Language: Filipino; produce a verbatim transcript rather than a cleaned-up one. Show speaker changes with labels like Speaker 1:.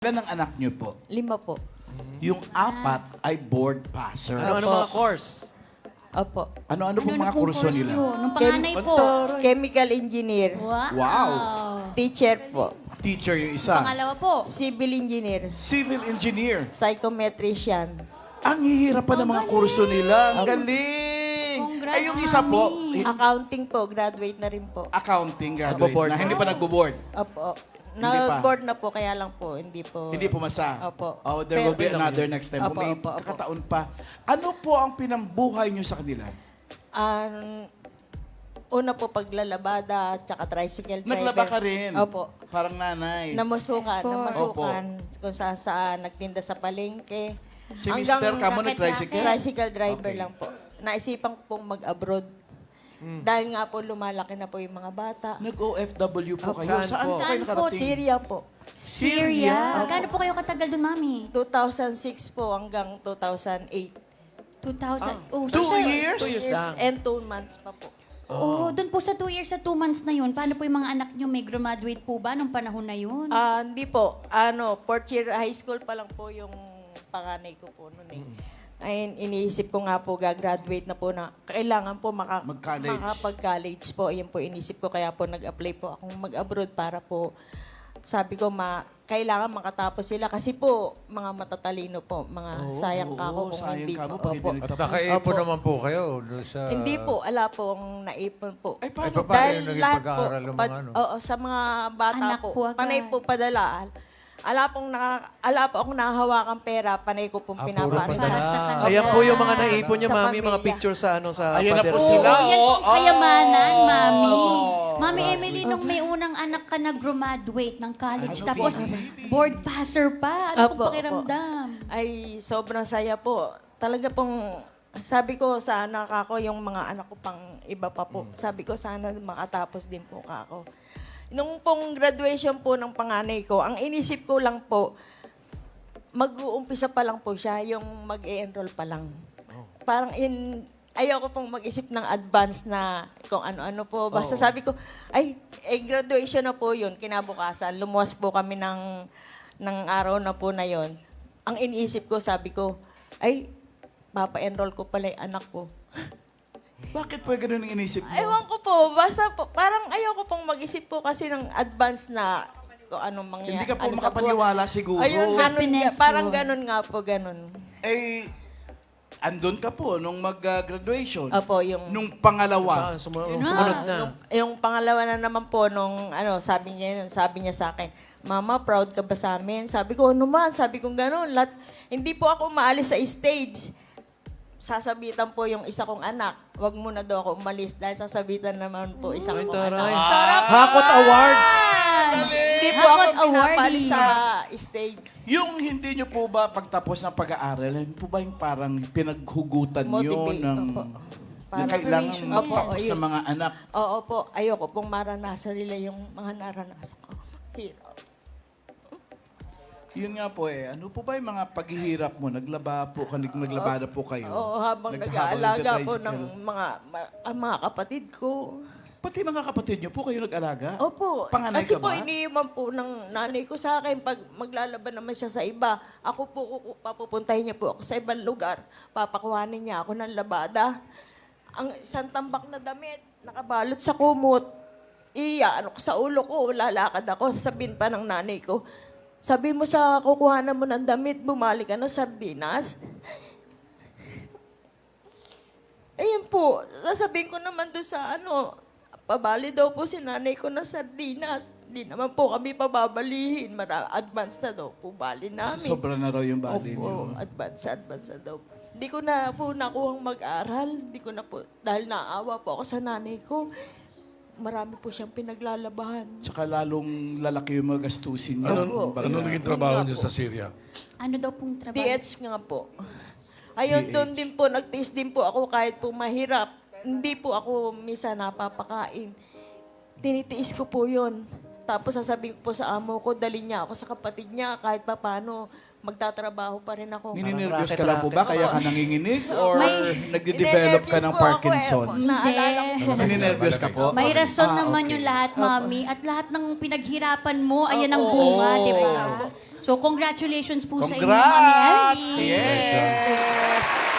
Speaker 1: Ilan ang anak niyo po?
Speaker 2: Lima po.
Speaker 1: Yung apat ay board passer.
Speaker 3: Ano, ano
Speaker 2: Opo.
Speaker 3: mga course?
Speaker 2: Opo.
Speaker 1: Ano-ano pong mga
Speaker 4: pong
Speaker 1: kurso
Speaker 4: course
Speaker 1: nila?
Speaker 4: yun? Nung panganay po.
Speaker 2: Chemical engineer.
Speaker 4: Wow.
Speaker 1: Wow.
Speaker 2: Teacher po.
Speaker 1: Teacher yung isa.
Speaker 4: Pangalawa po.
Speaker 2: Civil engineer.
Speaker 1: Civil engineer.
Speaker 2: Psychometrician.
Speaker 1: Ang hihirap pa ng mga kurso nila. Ang galing!
Speaker 4: Congrats,
Speaker 1: Ay, yung isa po,
Speaker 4: Mami.
Speaker 1: eh,
Speaker 2: Accounting po. Graduate na rin po.
Speaker 1: accounting graduate
Speaker 3: Nagbo-board
Speaker 1: na.
Speaker 3: na.
Speaker 1: Hindi pa nagbo-board.
Speaker 2: Opo.
Speaker 1: Hindi pa.
Speaker 2: Nag-board na po, kaya lang po, hindi po.
Speaker 1: Hindi pumasa.
Speaker 2: Opo.
Speaker 1: Oh, there will be
Speaker 2: Pero-
Speaker 1: another next time.
Speaker 2: Opo,
Speaker 1: Kung may
Speaker 2: opo, opo.
Speaker 1: kakataon pa. Ano po ang pinambuhay niyo sa kanila?
Speaker 2: Ang una po paglalabada, tsaka tricycle driver.
Speaker 1: Naglaba ka rin.
Speaker 2: Opo.
Speaker 1: Parang nanay.
Speaker 2: Namasukan,
Speaker 4: Opo.
Speaker 2: namasukan. Kung saan saan, nagtinda sa palengke.
Speaker 1: Si Mister ka mo nag-tricycle?
Speaker 2: Tricycle driver
Speaker 1: Okay.
Speaker 2: lang po. Naisipan ko pong mag-abroad. Dahil nga po lumalaki na po yung mga bata.
Speaker 1: Nag-O F W po
Speaker 2: Opo.
Speaker 1: kayo.
Speaker 3: Saan
Speaker 1: Saan
Speaker 3: po?
Speaker 1: po kayo
Speaker 4: Saan po?
Speaker 1: nakarating?
Speaker 2: Syria po.
Speaker 4: Syria. Gano'n po kayo katagal dun, Mami?
Speaker 2: two thousand six po hanggang two thousand eight.
Speaker 4: two thousand. Oh,
Speaker 1: Two
Speaker 4: so sa-
Speaker 1: years?
Speaker 3: Two years lang.
Speaker 2: and two months pa po.
Speaker 4: Oo, dun po sa two years sa two months na yun, paano po yung mga anak nyo may graduate po ba nung panahon na yun?
Speaker 2: Ah, hindi po. Ano, fourth year high school pa lang po yung panganay ko po noon eh. Ay, iniisip ko nga po, gagraduate na po na, kailangan po maka,
Speaker 1: Mag-college.
Speaker 2: makapag-college po. Yan po inisip ko, kaya po nag-apply po akong mag-abroad para po, sabi ko, ma, kailangan makatapos sila. Kasi po, mga matatalino po, mga sayang ka ako
Speaker 1: Oo,
Speaker 2: kung
Speaker 1: sayang
Speaker 2: hindi
Speaker 1: ka mo
Speaker 2: po.
Speaker 1: pag hindi
Speaker 2: Opo.
Speaker 1: nag-
Speaker 5: At nakaipon
Speaker 2: Opo.
Speaker 5: naman po kayo doon sa...
Speaker 2: Hindi po, ala po ang naipon po.
Speaker 1: Ay,
Speaker 5: Ay,
Speaker 1: paano?
Speaker 5: pa- paano yung naging
Speaker 2: lahat
Speaker 5: pag-aaral ng
Speaker 2: pa-
Speaker 5: mga ano?
Speaker 2: Oo, sa mga bata
Speaker 4: Anak
Speaker 2: po,
Speaker 4: po agad.
Speaker 2: panay po padala. Ala pong naka, ala po akong nakahawakang pera, panay ko pong
Speaker 5: Ah, puro
Speaker 2: pinapaano
Speaker 5: padala.
Speaker 4: Sa kanila.
Speaker 3: Ayan po yung mga naipon niya,
Speaker 2: Sa
Speaker 3: Mami, mga
Speaker 2: pamilya.
Speaker 3: picture sa ano sa
Speaker 1: Ayan na po
Speaker 3: Father's
Speaker 1: sila.
Speaker 3: Day.
Speaker 4: Oo, yan pong
Speaker 1: Oh,
Speaker 4: kayamanan,
Speaker 1: oh.
Speaker 4: Mami.
Speaker 1: Oh.
Speaker 4: Mami Emily, nung may unang anak ka na graduate ng college,
Speaker 1: Ano,
Speaker 4: tapos
Speaker 1: baby?
Speaker 4: board passer pa. Ano
Speaker 2: Opo,
Speaker 4: po pakiramdam?
Speaker 2: Ay, sobrang saya po. Talaga pong, sabi ko sa anak ako, yung mga anak ko pang iba pa po, sabi ko sana makatapos din po ako. Nung pong graduation po ng panganay ko, ang inisip ko lang po, mag-uumpisa pa lang po siya, yung mag-e-enroll pa lang. Parang in, ayoko pong mag-isip ng advance na kung ano-ano po. Basta sabi ko, ay, eh, graduation na po yun, kinabukasan. Lumuwas po kami ng, ng araw na po na yon. Ang iniisip ko, sabi ko, ay, papa-enroll ko pala yung anak ko.
Speaker 1: Bakit po ganun ang inisip mo?
Speaker 2: Ewan ko po, basta po, parang ayoko pong mag-isip po kasi ng advance na kung anong mangyayari.
Speaker 1: Hindi ka po
Speaker 2: ano sa
Speaker 1: makapaniwala
Speaker 2: buwan.
Speaker 1: siguro.
Speaker 2: Ayun, ganun,
Speaker 4: Happiness
Speaker 2: parang
Speaker 4: yun.
Speaker 2: ganun nga po, ganun.
Speaker 1: Eh, andun ka po nung mag-graduation.
Speaker 2: Opo, yung...
Speaker 1: Nung pangalawa.
Speaker 3: Ah, sumu- yung sumunod na.
Speaker 2: Yung, yung pangalawa na naman po nung ano, sabi niya, sabi niya sa akin, Mama, proud ka ba sa amin? Sabi ko, ano man? Sabi ko gano'n. Lat, hindi po ako maalis sa stage. Sasabitan po yung isa kong anak. Huwag muna daw ako umalis dahil sasabitan naman po isa
Speaker 3: Ay,
Speaker 2: kong
Speaker 3: taray.
Speaker 2: anak.
Speaker 3: Hakot Awards!
Speaker 2: Hindi po
Speaker 4: Hakot
Speaker 2: ako pinapalis
Speaker 4: awardee.
Speaker 2: sa stage.
Speaker 1: Yung hindi nyo po ba pagtapos ng pag-aaral, hindi po ba yung parang pinaghugutan nyo
Speaker 2: Motivate,
Speaker 1: ng...
Speaker 2: opo.
Speaker 1: Yung
Speaker 2: Parang
Speaker 1: kailangan
Speaker 2: inspiration.
Speaker 1: magtapos
Speaker 2: Opo,
Speaker 1: sa
Speaker 2: yun.
Speaker 1: mga anak.
Speaker 2: Oo po, ayoko pong maranasan nila yung mga naranasan ko. Hirap.
Speaker 1: Yun nga po eh. Ano po ba yung mga paghihirap mo? Naglaba po, kanig naglabada po kayo?
Speaker 2: Oo, habang
Speaker 1: Naghahabang
Speaker 2: nag-aalaga po
Speaker 1: nagka-tricycle.
Speaker 2: ng mga, ma- ang mga kapatid ko.
Speaker 1: Pati mga kapatid nyo po kayo nag-alaga?
Speaker 2: Opo.
Speaker 1: Panganay
Speaker 2: Kasi
Speaker 1: ka
Speaker 2: po,
Speaker 1: ba?
Speaker 2: iniiwan po ng nanay ko sa akin. Pag maglalaban naman siya sa iba, ako po, kuku- papupuntahin niya po ako sa ibang lugar. Papakuhanin niya ako ng labada. Ang isang tambak na damit, nakabalot sa kumot. Iya, ano ko sa ulo ko, lalakad ako. Sasabihin pa ng nanay ko, sabi mo sa kukuhanan mo ng damit, bumalik ka na sardinas. Ayun po, sasabihin ko naman doon sa ano, pabali daw po si nanay ko ng sardinas. Di naman po kami pababalihin. Mara, advance na daw po bali namin.
Speaker 1: Sobra na raw yung bali
Speaker 2: Opo,
Speaker 1: nyo.
Speaker 2: advance, advance na daw. Di ko na po nakuhang mag-aral. Di ko na po, dahil naawa po ako sa nanay ko. Marami po siyang pinaglalabahan.
Speaker 1: Tsaka lalong lalaki yung mga gastusin nyo.
Speaker 2: Opo.
Speaker 1: Baga-
Speaker 5: Ano naging trabaho niyo sa Syria?
Speaker 4: Ano daw pong trabaho?
Speaker 2: D H nga po. Ayun,
Speaker 1: D H.
Speaker 2: doon din po, nagtiis din po ako kahit po mahirap. Hindi po ako misa napapakain. Tinitiis ko po yun. Tapos sasabihin ko po sa amo ko, dali niya ako sa kapatid niya kahit pa paano magtatrabaho pa rin ako.
Speaker 1: Nininervyos ka lang po ba? Kaya ka nanginginig? Or
Speaker 4: May-
Speaker 1: nagde-develop ka ng
Speaker 2: Ninenervyos po ako eh.
Speaker 1: Parkinson's?
Speaker 2: Naalala ko po.
Speaker 1: Nininervyos ka po?
Speaker 4: May rason
Speaker 1: Ah,
Speaker 4: naman
Speaker 1: okay.
Speaker 4: yung lahat, Mami. At lahat ng pinaghirapan mo, ayan ang
Speaker 1: Oo.
Speaker 4: bunga, di ba? So, congratulations po sa inyo, Mami
Speaker 1: Congrats!
Speaker 4: Ellie.
Speaker 1: Yes!